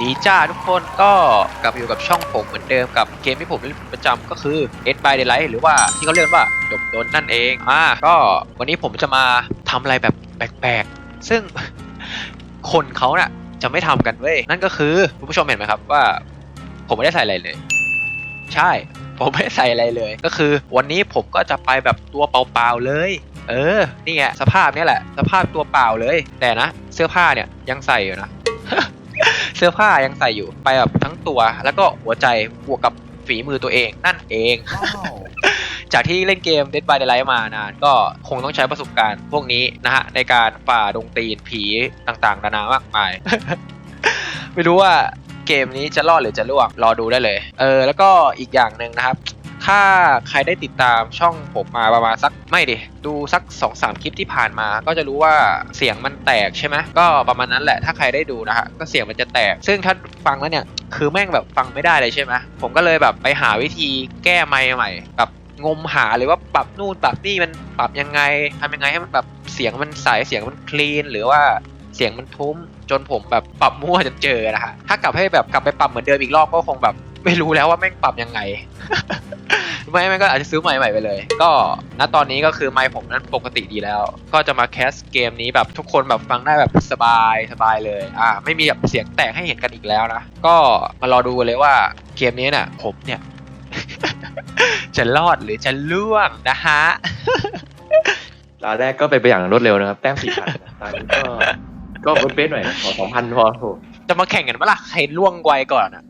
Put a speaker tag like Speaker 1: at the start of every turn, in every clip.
Speaker 1: ดีจ้าทุกคนก็กลับมาอยู่กับช่องผมเหมือนเดิมกับเกมที่ผมเล่นประจำก็คือ Dead by Daylight หรือว่าที่เขาเรียกว่าจบโดนนั่นเองก็วันนี้ผมจะมาทำอะไรแบบแปลกๆซึ่ง คนเขาน่ะจะไม่ทำกันเว้ยนั่นก็คือคุณผู้ชมเห็นไหมครับว่าผมไม่ได้ใส่อะไรเลยใช่ผมไม่ได้ใส่อะไรเลยก็คือวันนี้ผมก็จะไปแบบตัวเปล่าๆเลยนี่ไงสภาพนี้แหละสภาพตัวเปล่าเลยแต่นะเสื้อผ้าเนี่ยยังใส่อยู่นะ เสื้อผ้ายังใส่อยู่ไปแบบทั้งตัวแล้วก็หัวใจบวกกับฝีมือตัวเองนั่นเอง จากที่เล่นเกม Dead by Daylight มานานก็คงต้องใช้ประสบการณ์พวกนี้นะฮะในการฝ่าดงตีนผีต่างๆนานามากมาย ไม่รู้ว่าเกมนี้จะรอดหรือจะล่วงรอดูได้เลยแล้วก็อีกอย่างหนึ่งนะครับถ้าใครได้ติดตามช่องผมมาประมาณสักไม่ดิดูสัก 2-3 คลิปที่ผ่านมาก็จะรู้ว่าเสียงมันแตกใช่ไหมก็ประมาณนั้นแหละถ้าใครได้ดูนะฮะก็เสียงมันจะแตกซึ่งถ้าฟังแล้วเนี่ยคือแม่งแบบฟังไม่ได้เลยใช่ไหมผมก็เลยแบบไปหาวิธีแก้ไมค์ใหม่แบบงมหาเลยว่าปรับนู่นปรับนี่มันปรับยังไงทำยังไงให้มันแบบเสียงมันใสเสียงมันคลีนหรือว่าเสียงมันทุ้มจนผมแบบปรับมั่วจนเจอนะฮะถ้ากลับให้แบบกลับไปปรับเหมือนเดิมอีกรอบก็คงแบบไม่รู้แล้วว่าแม่งปรับยังไง ไม่ก็อาจจะซื้อไมค์ใหม่ไปเลยก็ณตอนนี้ก็คือไมค์ผมนั้นปกติดีแล้วก็จะมาแคสเกมนี้แบบทุกคนแบบฟังได้แบบสบายเลยไม่มีแบบเสียงแตกให้เห็นกันอีกแล้วนะก็มารอดูเลยว่าเกมนี้เนี่ยผมเนี่ย จะรอดหรือจะล่วงนะฮะ
Speaker 2: ตอนแรกก็ไปอย่างรวดเร็วนะครับแต้ม 4,000 ตอนนี้ก็เป๊ะๆหน่อยขอ 2,000 พอโถ
Speaker 1: จะมาแข่งกันปะล่ะใครล่วงไวก่อนอ่ะ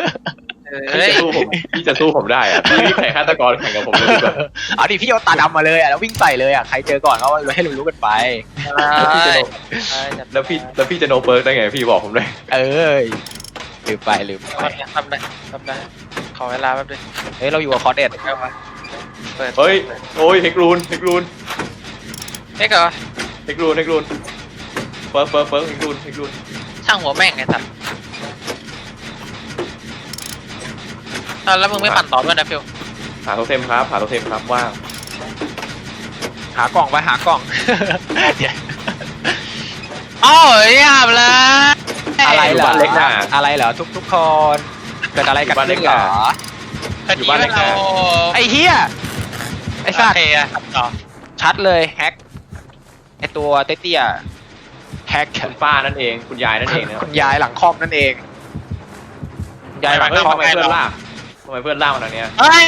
Speaker 2: พี่จะสู้ผมได้อะพี่แข่งฆาตกรแข่งกับผมเลยดีกว่า
Speaker 1: เอาดิพี่เอาตาดำมาเลยอ่ะแล้ววิ่งใส่เลยอ่ะใครเจอก่อนก็ให้รู้กันไป
Speaker 2: แล้วพี่จะโนเปิร์กได้ไงพี่บอกผมเลย
Speaker 1: ลืมไป
Speaker 3: ทำได้ขอเวลาแป๊บนึง
Speaker 1: เราอยู่กับคอร์เดต
Speaker 2: เฮ้ยโอ้ยเฮกรูน
Speaker 3: เฮ้ยเหรอ
Speaker 2: เฮกรูนเปิร์กเฮกรูน
Speaker 3: ช่างหัวแม่งไงสัตว์แล้วมึงไม่ปั่นต่อด้วยนะฟิว
Speaker 2: หาโทเทมครับว่าง
Speaker 1: หากล่องไปหากล่อง
Speaker 3: โอ้ยหยาบเลย
Speaker 1: อะไรเหรอ
Speaker 2: บ้านเล็กหน้า
Speaker 1: อะไรเหรอทุกคนเกิดอะไรกันขึ้นเหรอ
Speaker 2: อยู่บ้านเล็กนะ
Speaker 1: ไอ้เหี้ยไอ้สัตว์
Speaker 3: ต่อ
Speaker 1: ชัดเลยแฮกไอ้ตัวเตี้ยแฮก
Speaker 2: คุณป้านั่นเองคุณยายนั่นเองนะ
Speaker 1: คุณยายหลังคอมนั่นเองยายหลัง
Speaker 2: เฮ้ย
Speaker 1: คอม
Speaker 2: ทำไมเพื่อนล่ากมาทางเนี้ย
Speaker 3: เฮ้ย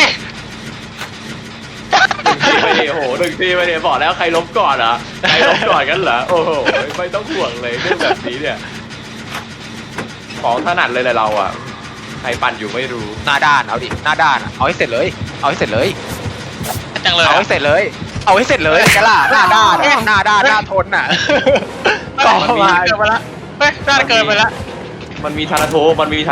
Speaker 2: หนึ่งทีไม่ได้บอกแล้วใครล้มก่อนเหรอใครล้มก่อนกันเหรอโอ้โหไม่ต้องห่วงเลยเรื่องแบบนี้เนี่ยของถนัดเลยแหละเราอ่ะใครปั่นอยู่ไม่รู้
Speaker 1: หน้าด้านเอาดิหน้าด้านเอาให้เสร็จเลยเอาให้เสร็จเลย
Speaker 3: จังเลย
Speaker 1: เอาให้เสร็จเลยกันล่ะหน้าด้านหน้าทนอ่ะ
Speaker 3: ต่อมาเกินไปละเฮ้ยน่าจะเกินไปละ
Speaker 2: มันมีทาราโท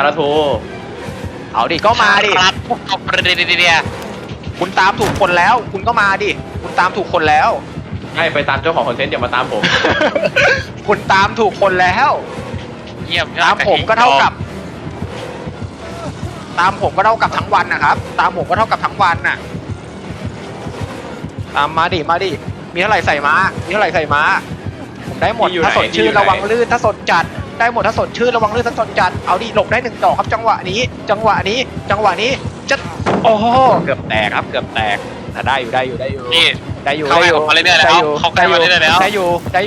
Speaker 1: เอาดิก็มาดิ
Speaker 3: ครับเอาประเด็นเดีย
Speaker 1: คุณตามถูกคนแล้วคุณก็มาดิคุณตามถูกคนแล้ว
Speaker 2: ให้ไปตามเจ้าของคอนเทนต์อย่ามาตามผม
Speaker 1: คุณตามถูกคนแล้ว
Speaker 3: เยี่ยม
Speaker 1: ตามผมก็เท่ากับทั้งวันนะครับตามผมก็เท่ากับทั้งวันน่ะตามมาดิมีเท่าไหร่ใส่มาผมได้หมดถ้าสดชื่นระวังลื่นถ้าสดจัดได้หมดถ้าสดชื่นระวังลื่นถ้าสดจัดเอาดิหลบได้1 ดอกครับจังหวะนี้จะโอ้โหเกือบแตกครับเกือบแตกแต่ได้อยู่
Speaker 3: นี่
Speaker 1: ได้อยู่
Speaker 3: เข้าไปผมมาเรื่อยๆแล้วเข้าไปมาเรื่อยๆแล้ว
Speaker 1: ได้อยู่
Speaker 3: ได้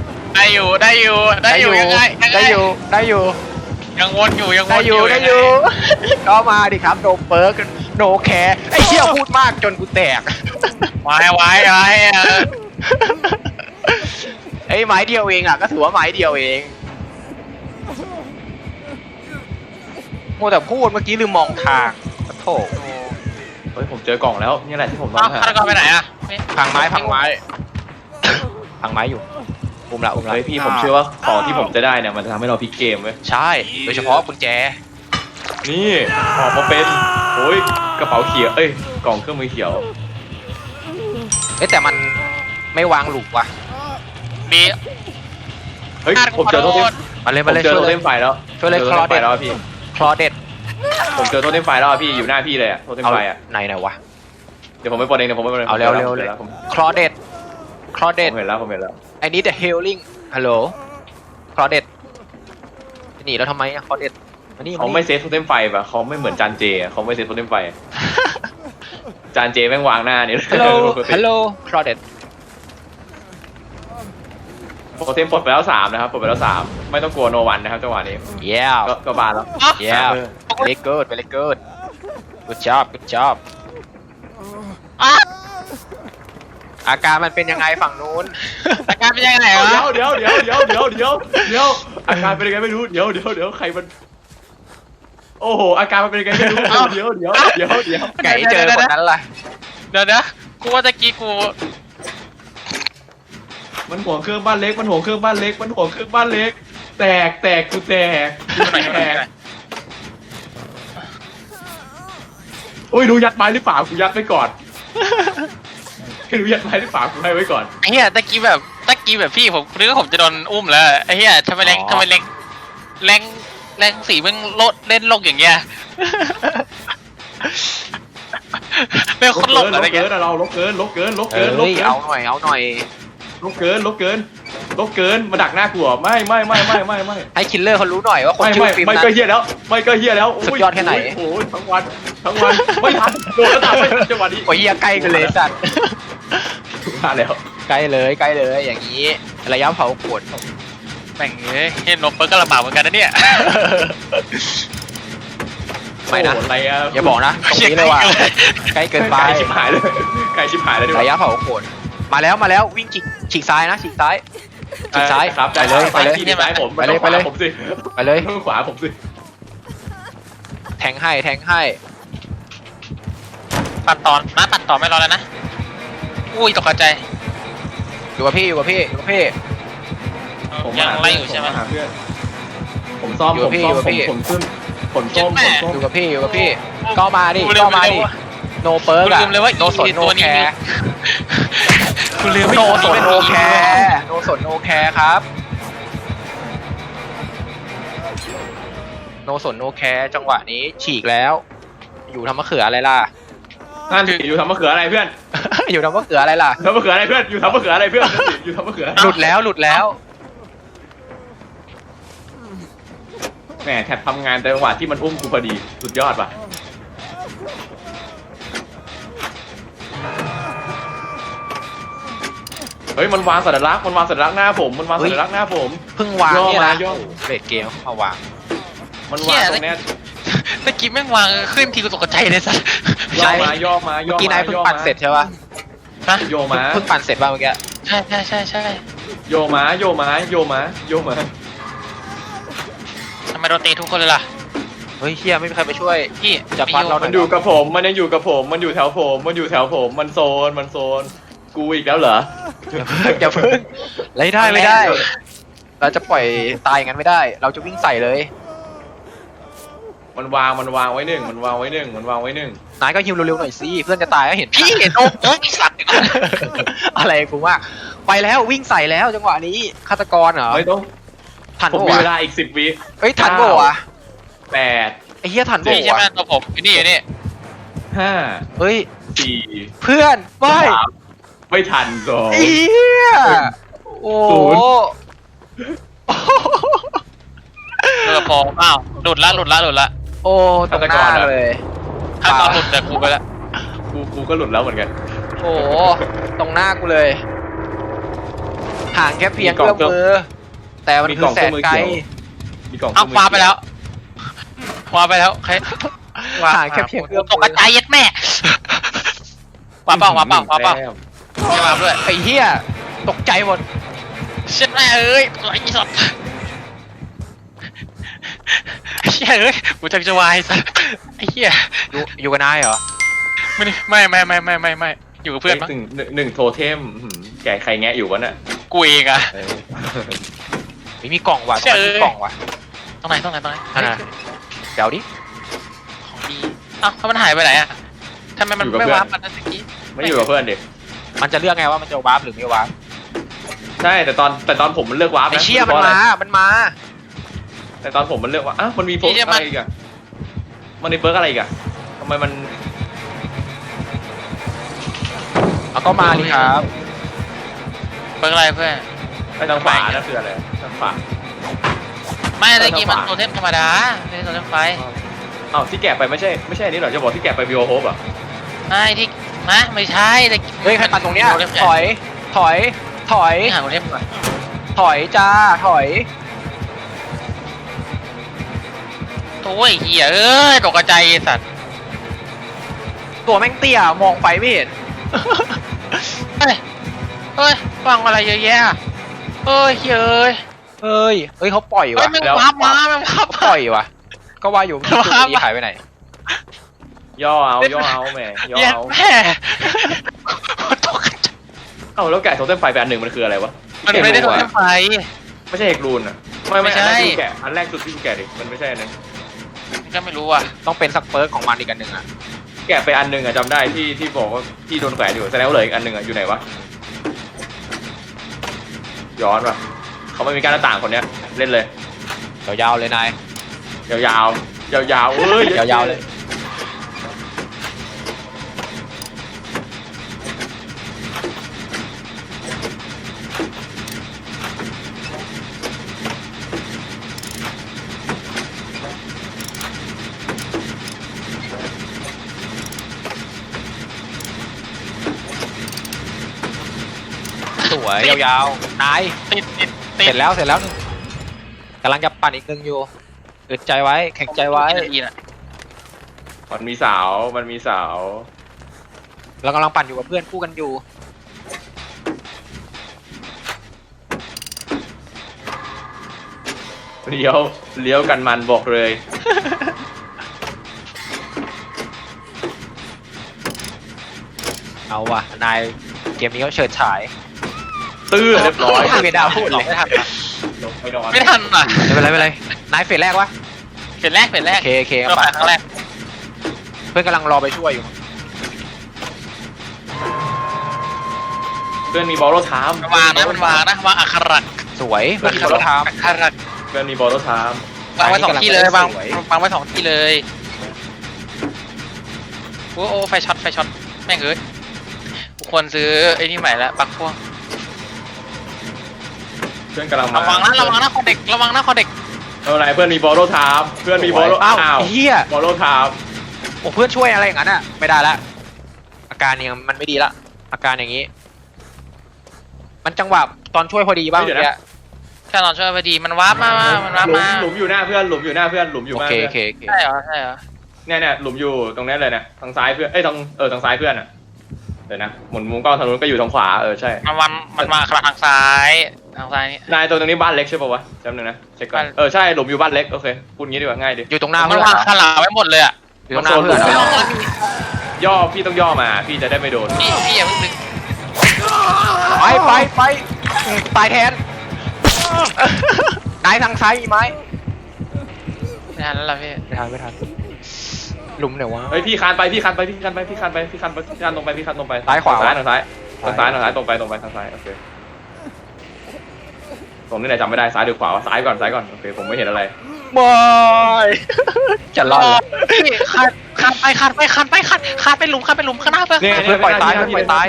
Speaker 3: อยู่ยังไง
Speaker 1: ได้อยู่
Speaker 3: ยังวนอยู่
Speaker 1: ก็มาดิครับโนเปิร์กโนแคร์ไอ้เหี้ยพูดมากจนกูแตก
Speaker 3: ไว้
Speaker 1: ไอ้ไม้เดียวเองอ่ะก็ถือว่าไม้เดียวเองมัวแต่พูดเมื่อกี้ลืมมองทางโธ่
Speaker 2: เฮ้ยผมเจอกล่องแล้วนี่แหละที่ผมต้อ
Speaker 3: อ้าว
Speaker 2: งหา
Speaker 3: ฆาตกรไปไหนอ่ะ
Speaker 1: พังไม้อยู่อุ้มละ
Speaker 2: เฮ้ยพี่ผมเชื่อว่าของที่ผมจะได้เนี่ยมันจะทำให้เราพลิกเกมเว้ย
Speaker 1: ใช่โดยเฉพาะกุญแจ
Speaker 2: นี่ออกมาเป็นโอ้ยกระเป๋าเขียวกล่องเครื่องมือเขียว
Speaker 1: แต่มันไม่วางหลุมว่ะ
Speaker 3: มี
Speaker 2: เฮ้ยผมเจอโทเทม
Speaker 1: มาเลย
Speaker 2: ผมเจอโทเทมไฟแล้ว
Speaker 1: ช่วยเลย
Speaker 2: โทเทมไฟแล้วพี่
Speaker 1: คลอเด็ด
Speaker 2: ผมเจอโทเทมไฟแล้วพี่อยู่หน้าพี่เลยอะโทเทมไฟอะ
Speaker 1: ไหนวะ
Speaker 2: เดี๋ยวผมไปปลดเอง
Speaker 1: เอาเร็ว
Speaker 2: ผม
Speaker 1: คลอเด็ด
Speaker 2: เห็นแล้ว
Speaker 1: ไอ้นี่แต่ healing ฮัลโหลคลอเด็ดหนีแล้วทำไมอะคลอเด็ดมานี่
Speaker 2: เขาไม่เซฟโทเทมไฟป่ะเขาไม่เหมือนจานเจอะเขาไม่เซฟโทเทมไฟจานเจแม่งวางหน้านี่
Speaker 1: ฮัลโหลฮัลโหลคลอเดต
Speaker 2: โทเทมปลดไปแล้ว3นะครับปลดไปแล้ว3ไม่ต้องกลัวโนวันนะครับจังหวะนี้
Speaker 1: เย้
Speaker 2: ก็บานแล้ว
Speaker 1: เย้ very good very good good job good job อาการมันเป็นยังไงฝั่งนู้น
Speaker 3: อาการเป็นยังไงวะ
Speaker 2: เดี๋ยวอาการเป็นยังไงไม่รู้เดี๋ยวใครมันโอ้โหอาการมันเป็นยังไงไม่รู้เดี๋ยว
Speaker 1: ไก่เจอคนนั้นล่ะ
Speaker 3: เดี๋ยวนะกูว่าตะกี้กู
Speaker 2: มันห่วงเครื่องบ้านเล็กมันห่วงเครื่องบ้านเล็กมันห่วงเครื่องบ้านเล็กแตกกูแตกโอ้ยรู้ยัดไม้หรือเปล่ากูยัดไว้ก่อนไม่รู้ยัดไม้หรือเปล่ากูให้ไว้ก่อน
Speaker 3: ไอ้เหี้ยตะกี้แบบพี่ผมนึกว่าผมจะโดนอุ้มแล้วไอ้เหี้ยทำไมแรงสีมันโลดเล่นโลกอย่างเงี้ยเป็นคนหลบอะไร
Speaker 2: เกิ
Speaker 3: เงี้ย
Speaker 2: นเราลบเกิน
Speaker 1: เอาหน่อยเอาหน่อย
Speaker 2: ลบเกินมาดักหน้ากูไม่
Speaker 1: ให้คิลเลอร์เขารู้หน่อยว่าคนชื่อฟิล์ม
Speaker 2: ไม่
Speaker 1: นั้น
Speaker 2: ก็เฮียแล้ว
Speaker 1: สุดยอดแค่ไหน
Speaker 2: โอ้ยทั้งวันไม่ทันโดนแล้วตามไม่ทันจังหวะนี้
Speaker 1: โอ้ยเหี้ยใกล้กันเลยสัตว์
Speaker 2: มาแล้ว
Speaker 1: ใกล้เลยอย่างนี้ระยะเผาขวด
Speaker 3: แม่งเฮ้ยเห็นนมเปิ้ลก็ลำบากเหมือนกันนะเนี่ย
Speaker 1: ไม่นะ
Speaker 2: อะไรอะ
Speaker 1: อย่าบอกนะตรงนี้เลยว่าใกล้เกินไป
Speaker 2: ไก่ชิบหายเลยดีกว่า
Speaker 1: ระยะเผาขวดมาแล้ววิ่งฉีกซ้ายนะฉีกซ้าย
Speaker 2: ครับ
Speaker 1: ไปเลย
Speaker 2: ที่ซ้ายผม
Speaker 1: ไปเลย
Speaker 2: ผมสิ
Speaker 1: ไปเลย
Speaker 2: ขวาผมสิ
Speaker 1: แทงให้
Speaker 3: ปั่นต่อไม่รอแล้วนะอุ้ยตกใจ
Speaker 1: อยู่กับพี่
Speaker 3: ยังไล่อยู่ใช่ไหม
Speaker 2: ผาเพื่อนผมซ่อม
Speaker 1: อยู่กับพี่
Speaker 2: ผมขึ้นผลส้ม
Speaker 1: อยู่กับพี่ก็มาดิโนเปิร์กอะ
Speaker 3: ลืมเลยว่า
Speaker 1: โนสนโนแคร์
Speaker 3: คุณลืม
Speaker 1: โนสนโนแคร์ครับโนสนโนแคร์จังหวะนี้ฉีกแล้ว อยู่ทำมะเขืออะไรล่ะ
Speaker 2: นั่นอยู่ทำมะเขืออะไรเพื่อน
Speaker 1: อยู่ทำมะเขืออะไรล่ะ
Speaker 2: ทำมะเขืออะไรเพื่อนอยู่ทำมะเขืออะไรเพื่อนอยู่ทำมะเขือ
Speaker 1: หลุดแล้ว
Speaker 2: แหมแทบทำงานแต่จังหวะที่มันอุ้มกูพอดีสุดยอดป่ะเฮ้ยมันวางสัญลักษณ์หน้าผมหน้าผม
Speaker 1: เพิ่งวางเนี่ยนะ
Speaker 2: ย่อ
Speaker 1: เรดเกมเข้ามาวาง
Speaker 2: มันวางตรงเนี้ย
Speaker 3: ตะกี้แม่งวางขึ้นทีกูตกใจเลยสัส
Speaker 2: ย่อมา
Speaker 1: เมื่อกี้นายเพิ่งปั่นเสร็จใช่ป่ะ
Speaker 3: ฮะ
Speaker 2: โยมา
Speaker 1: เพิ่งปั่นเสร็จป่ะเมื่อกี้
Speaker 3: ใช่
Speaker 2: โยมา
Speaker 3: ทำไมโดนตีทุกคนเลยล่ะ
Speaker 1: เฮ้ยเฮียไม่มีใครไปช่วย
Speaker 3: พี่
Speaker 1: จับพัดเราหน่
Speaker 2: มั
Speaker 1: อน ย
Speaker 2: อยู่กับผมมันยังอยู่กับผมมันอยู่แถวผมมันโซนกูอีกแล้วเหรอ
Speaker 1: อย่าเพิ่งไม่ได้ เราจะปล่อยตายอย่างนั้นไม่ได้ เราจะวิ่งใส่เลย
Speaker 2: มันวางไว้หนึ่ง
Speaker 1: นายก็ฮิวเร็วๆหน่อยสิเพื่อนจะตายก็เห็น
Speaker 3: พี่เห็นโอ้ยสัตว์
Speaker 1: อะไรกูว่าไปแล้ววิ่งใส่แล้วจังหวะนี้ฆาตกรเหรอ
Speaker 2: ไม่ต้อง
Speaker 1: ทัน
Speaker 2: ผม
Speaker 1: โบ
Speaker 2: มีเว
Speaker 1: วะ
Speaker 2: ลาอีก10 วิ
Speaker 1: เฮ้ยทันโบวะ
Speaker 2: 8
Speaker 1: ไอ้เฮียทันโบ
Speaker 3: พี่ใช่ไหม
Speaker 1: วะ
Speaker 3: ตัวผมอยู่นี่
Speaker 2: 5
Speaker 1: เฮ้ย
Speaker 2: 4
Speaker 1: เพื่อนไม่
Speaker 2: 3ไม่ทัน2
Speaker 1: เฮียโอ้
Speaker 2: ศูนย์
Speaker 3: เรือฟองอ้าวหลุดละ
Speaker 1: โอ้ตรงหน้าเลย
Speaker 3: ถ้าตอนหลุดแต่กูไปละ
Speaker 2: กูก็หลุดแล้วเหมือนกัน
Speaker 1: โอ้ตรงหน้ากูเลยห่างแค่เพียงเอื้อมมือ แต่มันคือแสนไกล
Speaker 2: มีกล่อง
Speaker 3: อ้าวคว้าไปแล้วใคร
Speaker 1: ห่างแค่เพียงเอื้อม
Speaker 3: ตกกระจายยัดแม่คว้าเปล่าไม่มาด้วย
Speaker 1: ไอ้เหี้ยตกใจหมด
Speaker 3: เช็ดแม่เอ้ยไอ้สัตว์เหี้ยเอ้ยกูจะวายสัตว์ไอ้เหี้ย
Speaker 1: อยู่กับนายเหรอ
Speaker 3: ไม่อยู่กับเพื่อนมั้ง
Speaker 2: หนึ่งโทเทมแกใครแงะอยู่วะน่ะ
Speaker 3: กูเองอะ
Speaker 1: ไม่มีกล่องว่ะ
Speaker 3: เชื่อ
Speaker 1: มีกล่องว่ะ
Speaker 3: ตรงไหน
Speaker 1: อันน่ะเดี๋ยวดิ
Speaker 3: ของดีอ้าวถ้ามันหายไปไหนอะทำไมมันไม่วาร์ปมันนั่นตะกี้
Speaker 2: ไม่อยู่กับเพื่อนดิ
Speaker 1: มันจะเลือกไงว่ามันจะวาร์ปหรือไม่วาร์ป
Speaker 2: ใช่แต่ตอนผมมันเลือกวาร์ป
Speaker 1: ไอ้
Speaker 2: นะ
Speaker 1: เชี่ยมันมา
Speaker 2: แต่ตอนผมมันเลือกว่ามันมีเพิร์กอะไรอีกอะมันมีเพิร์กอะไรอีกอะทำไมมัน
Speaker 1: เอาก็มาดิครับ
Speaker 3: เปิดอะไรเพื่อน
Speaker 2: ไปทางขวานั่นคืออะไรทางขวา
Speaker 3: ไม่ตะกี้มันโทเทมธรรมดาไม่ใช่โทเทมไฟ
Speaker 2: อ้าวที่แกะไปไม่ใช่อันนี้เหรอจะบอกที่แกะไปวิโอโฮปอ่ะ
Speaker 3: ไม่ใช่ตะกี้
Speaker 1: เฮ้ยใครปั่นตรงเนี้ยถอยถอยถอย
Speaker 3: นี่หาโทเทมก่อน
Speaker 1: ถอยจ้าถอย
Speaker 3: โอ้ยเหี้ยเอ้ยตกใจไอ้สัตว์
Speaker 1: ตัวแม่งเตี้ยมองไปไม่เห็น
Speaker 3: เฮ้ยฟังอะไรเยอะแยะเฮ้ยเฮ้ย
Speaker 1: เฮ้ยเขาปล่อย
Speaker 3: เฮ้ย
Speaker 1: ว่ะ
Speaker 3: มันพับมามันพับ
Speaker 1: เขาปล่อยว่ะก็ว่าอยู่ตัวนี้หายไปไหน
Speaker 2: ย่อเอาแหมย่อ
Speaker 3: เย็น
Speaker 2: เอา
Speaker 3: แม่ตกใจ
Speaker 2: เอ้าแล้วแกะโทเทมไฟไปอันหนึ่งมันคืออะไรวะ
Speaker 3: มันไม่ได้โทเทมไฟ
Speaker 2: ไม่ใช่เฮกรูนอ่ะไม่
Speaker 3: ไม่ใช่
Speaker 2: อันแรกที่กูแกะอันแรกสุดที่กูแกะดิมันไม่ใช่อันนั้น
Speaker 3: ก็ไม่รู้อ่ะ
Speaker 1: ต้องเป็นสักเปิร์กของมันอีกอันหนึ่งอ่ะ
Speaker 2: แกะไปอันหนึ่งอ่ะจำได้ที่บอกว่าที่โดนแขวนอยู่แสดงว่าเหลืออีกอันหนึ่งอ่ะอยู่ไหนวะย้อนว่ะเขาไม่มีการหน้าต่างคนเนี้ยเล่นเลย
Speaker 1: ยาวๆเลยนาย
Speaker 2: ยาวๆยาวๆเอ้ย
Speaker 1: ยาวๆเลย สวยยาวๆนาย
Speaker 3: ติด
Speaker 1: เสร็จแล้วหนึ่งกำลังจะปั่นอีกหนึ่งอยู่อึดใจไว้แข็งใจไว้
Speaker 3: นาทีน่ะ
Speaker 2: มันมีสาว
Speaker 1: เรากำลังปั่นอยู่กับเพื่อนคู่กันอยู่
Speaker 2: เลี้ยวกันมันบอกเลย
Speaker 1: เอาว่ะนายเกมนี้เขาเฉิดฉาย
Speaker 2: ตื้อเรียบร้อย
Speaker 1: ไม่ได้พูดเลย
Speaker 3: ไม่ทัน
Speaker 2: ลงไปนอน
Speaker 3: ไม่ทันอ่ะ
Speaker 1: ไม่เป็นไรนายเฟสแรกวะ
Speaker 3: เฟสแรก
Speaker 1: เค
Speaker 3: เราผ่านครั้งแรก
Speaker 1: เพื่อนกำลังรอไปช่วยอยู่
Speaker 2: เพื่อนมีบอลโลไทม์
Speaker 3: มันวางนะวางอักขระ
Speaker 1: สวยเพื่อนเขาท
Speaker 3: อักขระ
Speaker 2: เพื่อนมีบอลโลไทม์
Speaker 3: วางไว้สองที่เลยวาง
Speaker 1: สวย
Speaker 3: วางไว้สองที่เลยโอ้ไฟช็อตแม่งเอ้ยกูควรซื้อไอ้นี่ใหม่แล้วปลั๊กพ่วง
Speaker 2: เพื่อนกำลังมา
Speaker 3: ระวังนะคอเด็ก
Speaker 2: เอาไหนเพื่อนมีบอลโลไทม์เพื่อนมีบอลโล
Speaker 1: อ้าว
Speaker 2: อ้าว
Speaker 1: เฮีย
Speaker 2: บอลโลไทม์
Speaker 1: โอ้เพื่อนช่วยอะไรอย่างนั้นอ่ะไม่ได้ละอาการเนี่ยมันไม่ดีละอาการอย่างนี้ มันจังหวะตอนช่วยพอดีบ้างเนี่ย
Speaker 3: แค่นอนช่วยพอดีมันวาร์ปมามันวาร์ปมา
Speaker 2: หลุมอยู่หน้าเพื่อนหลุมอยู่หน้าเพื่อนหลุมอยู่
Speaker 1: โอ
Speaker 2: หน้า
Speaker 1: เค
Speaker 2: เพื่อน
Speaker 3: ใช่เหรอ
Speaker 2: เนี่ยหลุมอยู่ตรงนี้เลยเนี่ยทางซ้ายเพื่อนทางซ้ายเพื่อนอ่ะเดี๋ยวนะหมุนมุมกล้องทางนู้นก็อยู่ทางขวาใช่
Speaker 3: มันมาทางซ้ายนี่
Speaker 2: นายตรงนี้บ้านเล็กใช่ป่าวะจำหนึ่งนะเช็คก่อนใช่หลุมอยู่บ้านเล็กโอเคพูดงี้ดีกว่าง่ายดิ
Speaker 1: อยู่ตรงหน้า
Speaker 3: มั
Speaker 1: เพื่
Speaker 3: น
Speaker 1: อน
Speaker 3: วางขลาไว้หมดเลยอ่ะ
Speaker 1: อยู่ตรงหน้าเพื่อน
Speaker 2: มันโซนหลุม ย่อพี่ต้องย่อมาพี่จะได้ไม่โดน
Speaker 3: พี่อย่าเพิ่งดึง
Speaker 1: ไปตายแทนนายทางซ้ายมีไหม
Speaker 3: ไม่ทันแล้วล่ะพี่
Speaker 1: ไม่ทันหลุมไหนวะ
Speaker 2: เฮ้ยพี่คานไปตรงไปทางซ้ายทางซ้ายตรงไปทางซ้ายโอเคตรงนี้ไหนจำไม่ได้ซ้ายหรือขวาวะซ้ายก่อนโอเคผมไม่เห็นอะไร
Speaker 1: บอยจะรอด
Speaker 3: พี่คานไปหลุมข้างหน้าเพื่อน
Speaker 1: เพื่อนปล่อยตายเพื่อนปล่อยตาย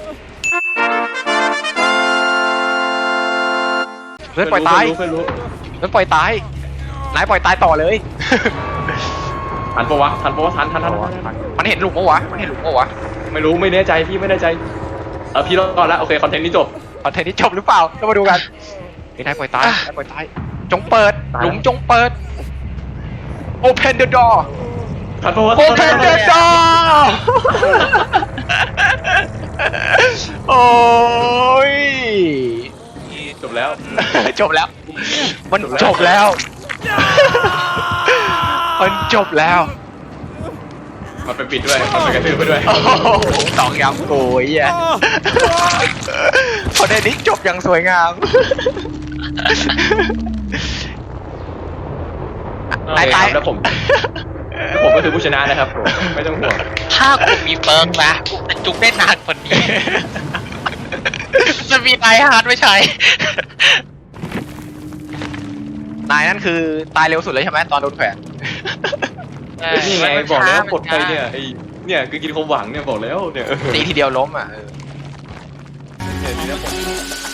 Speaker 1: เพื่อนปล่อยตาย
Speaker 2: เพื่อนรู้
Speaker 1: เพื่อนปล่อยตายนายปล่อยตายต่อเลย
Speaker 2: ทันปะวะทัน
Speaker 1: มันเห็นหลุมปะวะ
Speaker 2: ไม่รู้ไม่แน่ใจพี่ไม่แน่ใจพี่รอดแล้วโอเคคอนเทนต์นี้จบ
Speaker 1: คอนเทนต์นี้จบหรือเปล่าก็มาดูกันนายปล่อยตายจงเปิดหลุมจงเปิด Open the door
Speaker 2: ทันปะวะ
Speaker 1: Open the door โอ้ย
Speaker 2: จบแล้ว
Speaker 1: จบแล้ว มันจบแล้ว มันจบแล้ว
Speaker 2: มันไปปิดด้วยมันไปกระทืบไปด้วย
Speaker 1: โอ้โหตอกย้ำโกยอ่ะพอได้นี้จบอย่างสวยงามนายตาย
Speaker 2: แล้วผมก็คือผู้ชนะนะครับผมไม่ต้องห่วง
Speaker 3: ถ้ากูมีเปิร์กนะกูจะจุกได้นานกว่านี้จะมีไอฮาร์ดไม่ใช่
Speaker 1: นายนั่นคือตายเร็วสุดเลยใช่ไหมตอนโดนแขวน
Speaker 2: นี่ไงบอกแล้วกดไปเนี่ยไอ้เนี่ยคือกินความหวังเนี่ยบอกแล้วเนี่ย
Speaker 1: ตีทีเดียวล้มอ่ะ
Speaker 2: เนี่ย